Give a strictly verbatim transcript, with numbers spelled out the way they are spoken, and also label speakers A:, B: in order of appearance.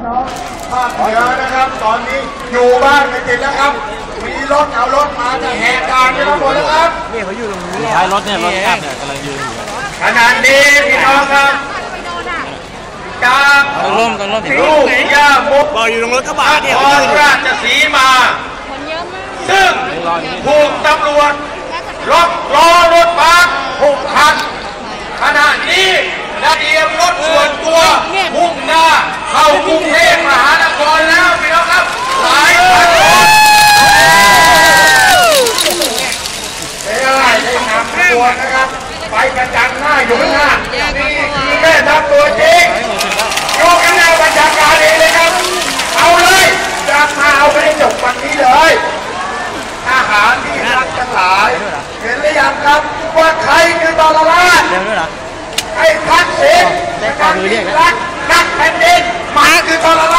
A: น้องภาคเหนือนะครับตอนนี้อยู่บ้านไม่ติดแล้วครับมีรถเอารถมาจะแหกด่านกันทั้งหมดแล้วครับ
B: นี่เขาอยู่ตรงนี้ท้ายรถเนี่ยรถแคบเนี่ยกำลังยืนอยู่
A: ขณะนี้พี่น้องครับจากลูกย่ามุก
B: บอกอยู่ตรงรถกระบะเนี่ย
A: ราชสีมาซึ่งถูกตำรวจล็อกล้อรถบัสหกคันขณะนี้ได้เตรียมรถส่วนตัวมุ่งหน้าเข้ากรุงเทพมหานครแล้วพี่น้องครับหลายคันรถไม่ได้ได้นำขบวนนะครับไปประจันหน้าอยู่ข้างหน้านี่คือแม่ทัพตัวจริงอยู่ข้างหน้าบรรยากาศเองเลยครับเอาเลยจะมาเอาไปจบวันนี้เลยอาหารที่รักทั้งหลายเห็นหรือยังครับว่าใครคือตอรราชไอ้ทักษิณนักรักนักแผ่นดินมาคือตอร